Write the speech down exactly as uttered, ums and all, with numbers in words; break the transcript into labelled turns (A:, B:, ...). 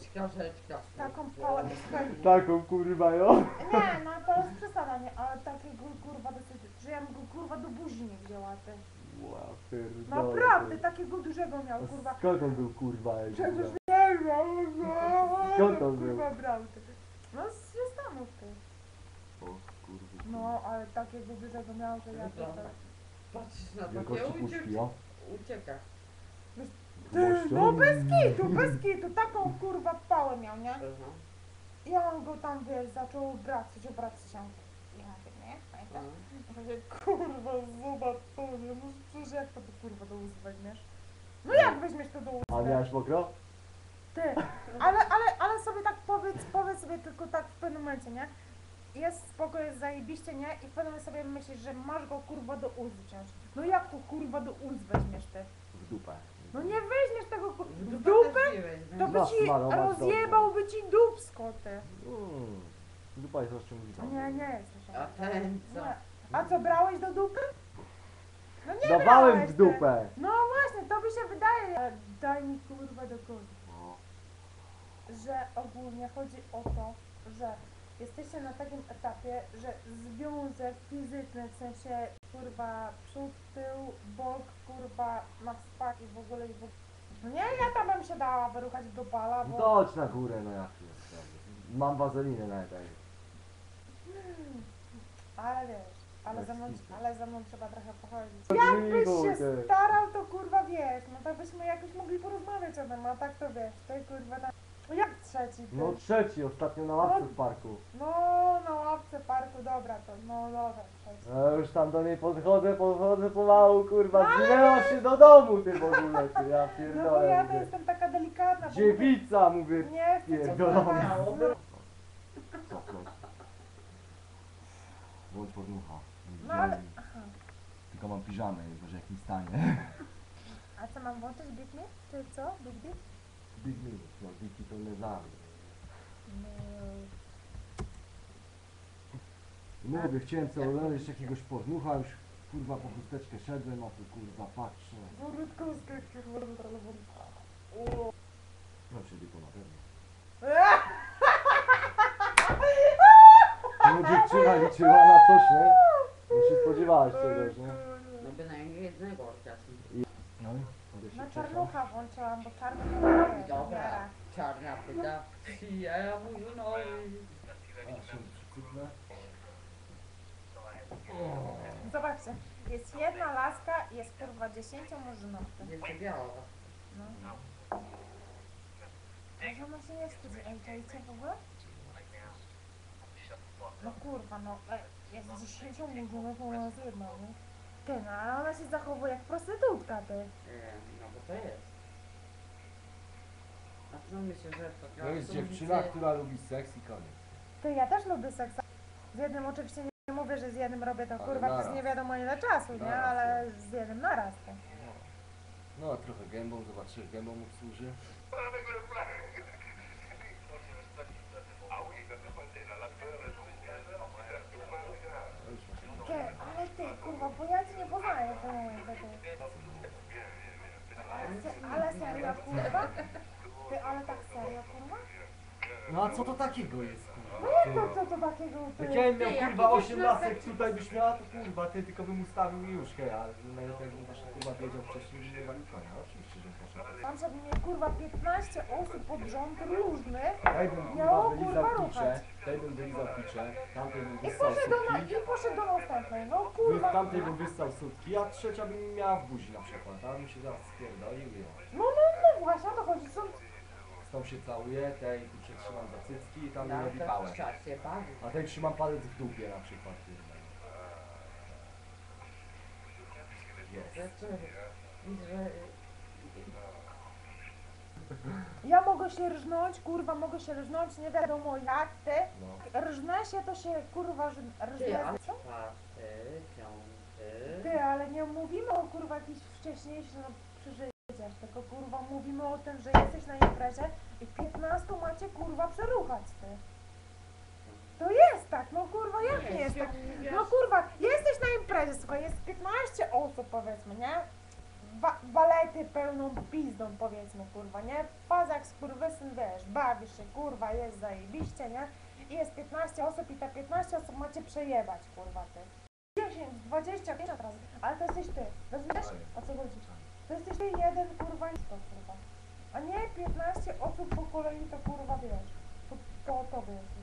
A: Rzeczka, rzeczka.
B: Taką pałę.
C: Taką kurwa ją.
B: Nie, no to jest przesada, nie, ale takiego kurwa dosyć, że ja bym go kurwa do buzi nie wzięła, ty.
C: Ła, pierdolę,
B: Naprawdę,
C: ty.
B: takiego dużego miał,
C: A
B: kurwa.
C: skąd on był kurwa? jak
B: Przecież
C: kurwa?
B: nie wiem,
C: Skąd on był?
B: kurwa brał, ty. No z z Stanów, ty.
C: O kurwa.
B: No, ale takiego dużego miał, że ja to... to...
A: Patrzysz na to,
C: Wielkości
A: nie
C: puszki,
A: ucieka.
C: o.
A: Ucieka.
B: Ty, no bez kitu, bez kitu, taką kurwa pałę miał, nie?
A: Aha.
B: I on go tam, wiesz, zaczął obracać, obracać się. Ja mówię, nie? Pamiętasz?
A: Aha.
B: Mówię, kurwa, zobacz to, nie? No przecież jak to, to kurwa do ust weźmiesz? No jak weźmiesz to do ust?
C: A miałeś mokro?
B: Ty, ale, ale, ale sobie tak powiedz, powiedz sobie tylko tak w pewnym momencie, nie? Jest spoko, jest zajebiście, nie? I w pewnym momencie sobie myślisz, że masz go kurwa do ust wziąć. No jak to kurwa do ust weźmiesz ty?
C: W dupę.
B: No nie weźmiesz tego kurwa
A: W
B: w
A: dupę
B: dupę?
A: też nie weźmie.
B: To by
C: Masz
B: ci
C: malować
B: rozjebałby ci dupsko ty.
C: Mm. Dupa jest rozciągliwa.
B: Nie, nie jest
A: A
B: rozciągnięta.
A: ten co?
B: Nie. A co, brałeś do dupy? No nie
C: Dawałem
B: brałeś,
C: w
B: ty.
C: dupę.
B: No właśnie, to mi się wydaje. E, Daj mi kurwa do końca.
C: O.
B: Że ogólnie chodzi o to, że jesteście na takim etapie, że związek fizyczny, w sensie kurwa przód, tył, bok, kurwa na spak i w ogóle i w ogóle. No nie, ja tam bym się dała wyruchać do bala,
C: No
B: bo...
C: to chodź na górę, no jak jest. Mam wazelinę na tej.
B: Hmm, ale wiesz, ale
C: Bez
B: ze mną,
C: kitu.
B: ale ze mną trzeba trochę pochodzić.
C: Bez
B: Jakbyś
C: kitu,
B: się
C: ty.
B: starał, to kurwa wiesz, no to byśmy jakoś mogli porozmawiać o tym, a tak to wiesz, ty kurwa tam... No jak trzeci, ty?
C: No trzeci, ostatnio na ławce w parku.
B: No, na ławce parku, dobra to, no dobra, trzeci.
C: Ja już tam do niej podchodzę, podchodzę pomału, kurwa,
B: No ale
C: zginęła się do domu ty w ogóle, ty, ja
B: No bo
C: pierdolę,
B: ja to
C: mówię.
B: jestem taka delikatna, bo
C: Dziewica, mówię,
B: mówię, nie chcę cię
C: pierdolona.
B: kochać, no,
C: Cofnąć. Włącz podmucha.
B: no ale... Aha.
C: Tylko mam piżamę, może jak mi stanie.
B: A co, mam włączyć Big Me? Czy co? Big Big?
C: Big minus, no biki to nie znam.
B: No.
C: Mówię, chciałem sobie znaleźć jakiegoś podmucha, już kurwa po chusteczkę szedłem, a tu kurwa patrzę.
B: Wórutkowska, kurwa,
C: No czyli to na pewno.
B: Eee!
C: No dziewczyna liczyła na coś, nie? Nie się spodziewałaś czegoś, nie?
A: No bynajmniej jednego orkiestru.
C: No i? Mogę się
B: No
C: cieszyć.
B: czarnucha włączyłam, bo czarny to jest
A: Dobra, czarna pyta. Ja mówię, no
C: A, się przycupnę.
B: Zobaczcie, jest jedna laska i jest kurwa dziesięciomurzynowka.
A: jeszcze biała.
B: No. Może ona się nie wstydzi. Ej, czajcie w ogóle? No kurwa, no ej, jest dziesięciomurzynowka, ona jest jedna, nie? Ty, no ale ona się zachowuje jak prostytutka, ty.
A: E, No bo to jest. A co myślę, że to
C: To jest dziewczyna, która lubi seks i koniec.
B: Ty, ja też lubię seksa. Z jednym oczywiście nie mówię, że z jednym robię to
C: Ale
B: kurwa
C: naraz.
B: przez nie wiadomo ile czasu, nie?
C: Naraz,
B: Ale z jednym naraz, ty.
C: No, no trochę gębą, zobaczysz, gębą mu służy.
B: Ty, ale ty, kurwa, bo ja cię nie poznaję w tym momencie, ty. Ale, se, ale serio, kurwa? Ty, ale tak serio, kurwa?
C: No a co to takiego jest, kurwa?
B: No jak to, co to takiego, ty?
C: Jak ja bym miał
A: Ty, jak
C: kurwa
A: idziesz
C: osiem
A: na
C: lasek
A: seks-
C: tutaj byś miała, to kurwa, ty tylko bym ustawił juszkę, a najlepiej jakbym właśnie kurwa wiedział wcześniej, że nie wali konia. Oczywiście, że poszedł.
B: Tam żeby mnie kurwa piętnaście osób pod rząd różnych
C: Tej bym
B: miało
C: kurwa wylizał
B: kurwa
C: picze,
B: ruchać.
C: tej bym wylizał picze, tamtej bym
B: I
C: wyssał
B: poszedł do, na,
C: sutki,
B: i poszedł do następnej, no
C: wy-
B: kurwa.
C: tamtej bym wyssał sutki, a trzecia bym miała w buzi na przykład, a bym się zaraz spierdolił i o.
B: No, no, no właśnie o to chodzi, są...
C: Z tą się całuję, tej tu przetrzymam za cycki i tam mi
A: No
C: robi
A: to
C: pałę.
A: w czasie bawi.
C: A tej trzymam palec w dupie na przykład. Jest.
A: Że co? Że...
B: Ja mogę się rżnąć, kurwa, mogę się rżnąć, nie wiadomo jak, ty.
C: No.
B: Rżnę się, to się kurwa rż-
A: Ty,
B: rżnę.
A: a
B: Co?
A: czwarty, piąty...
B: Ty, ale nie mówimy o kurwa jakichś wcześniejszych no, przeżyciach, tylko kurwa mówimy o tym, że jesteś na imprezie i piętnastu macie kurwa przeruchać, ty. To jest tak, no kurwa, jak nie jest tak? No kurwa, jesteś na imprezie, słuchaj, jest piętnaście osób powiedzmy, nie? wa walety pełną pizdą, powiedzmy, kurwa, nie? Fazak, skurwysyn, wiesz, bawisz się, kurwa, jest zajebiście, nie? I jest piętnaście osób i te piętnaście osób macie przejebać, kurwa, ty. dziesięć, dwadzieścia, pięćdziesiąt razy, ale to jesteś ty, rozumiesz, o co chodzi? To jesteś ty jeden, kurwa, i to, kurwa. A nie piętnaście osób po kolei, to kurwa, wiesz, to, to tobie jest.